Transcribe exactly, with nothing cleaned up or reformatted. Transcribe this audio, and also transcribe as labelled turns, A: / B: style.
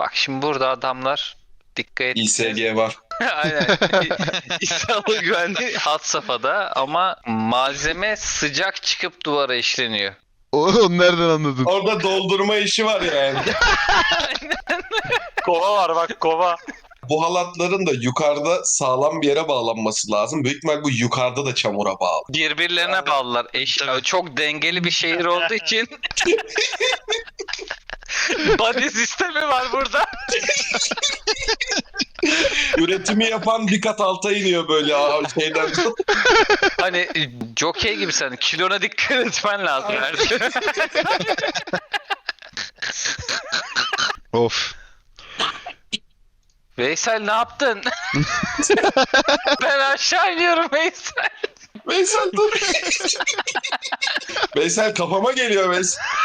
A: Bak şimdi burada adamlar dikkat et.
B: İ S G var.
A: Aynen. İstanbul Güvenliği had safhada ama malzeme sıcak çıkıp duvara işleniyor.
C: O- Onu nereden anladın?
B: Orada doldurma işi var yani.
D: Kova var bak, kova.
B: Bu halatların da yukarıda sağlam bir yere bağlanması lazım. Büyük ihtimal bu yukarıda da çamura bağlı.
A: Birbirlerine
D: Aynen.
A: bağlılar. Eş,
D: Tabii.
A: çok dengeli bir şehir olduğu için body sistemi var burada.
B: Üretimi yapan bir kat alta iniyor böyle aa, şeyden.
A: Hani jockey gibi sen kilona dikkat etmen lazım. her şey.
C: Of.
A: Veysel ne yaptın? Ben aşağı iniyorum Veysel.
B: Veysel dur. Veysel kafama geliyor Veysel.